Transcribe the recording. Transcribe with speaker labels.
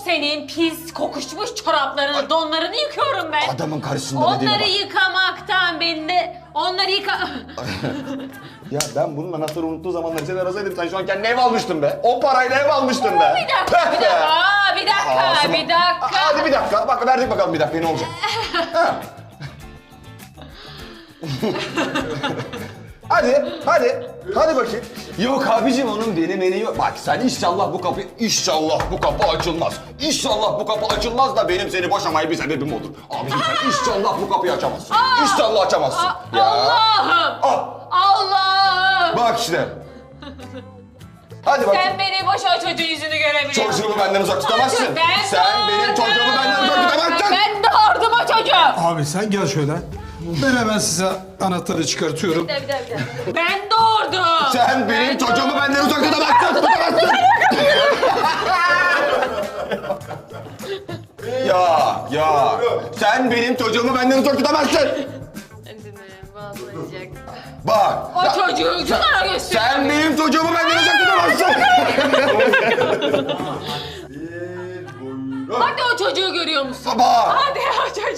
Speaker 1: senin pis kokuşmuş çoraplarını, donlarını yıkıyorum ben.
Speaker 2: Adamın karşısında dediğine
Speaker 1: Onları
Speaker 2: bak.
Speaker 1: yıkamaktan beni de... Onları
Speaker 2: Ya ben bunun anahtarı unuttuğu zamanları seni arasaydım sen şu an kendine ev almıştın be. O parayla ev almıştın be.
Speaker 1: Bir dakika, bir dakika, aa, bir dakika,
Speaker 2: Ağzıma-
Speaker 1: bir dakika.
Speaker 2: Hadi bir dakika. Bak verdik bakalım bir dakika ne olacak. Ha. Hadi bakayım. Yok abicim onun benim eni yok. Bak sen inşallah bu kapı açılmaz. İnşallah bu kapı açılmaz da benim seni boşamaya bir sebebim olur. Abicim sen inşallah bu kapıyı açamazsın. İnşallah açamazsın.
Speaker 1: Allah'ım!
Speaker 2: Ah,
Speaker 1: Allah'ım!
Speaker 2: bak işte. Hadi bakayım.
Speaker 1: Sen beni boş o çocuğun yüzünü görebiliyorsun.
Speaker 2: Çocuğumu benden uzak tutamazsın. Sen benim çocuğumu benden uzak tutamazsın.
Speaker 1: Ben doğurdum o çocuğu.
Speaker 3: Abi sen gel şöyle. Ben hemen size anahtarı çıkartıyorum.
Speaker 1: Bir dakika. Ben doğurdum.
Speaker 2: Sen benim çocuğumu benden uzak tutamazsın. Ya. Sen benim çocuğumu benden uzak tutamazsın. Bak.
Speaker 1: O çocuğu şunlara göster.
Speaker 2: Sen benim çocuğumu benden uzak tutamazsın.
Speaker 1: Hadi o çocuğu görüyor musun?
Speaker 2: Bak.
Speaker 1: Hadi o çocuğu.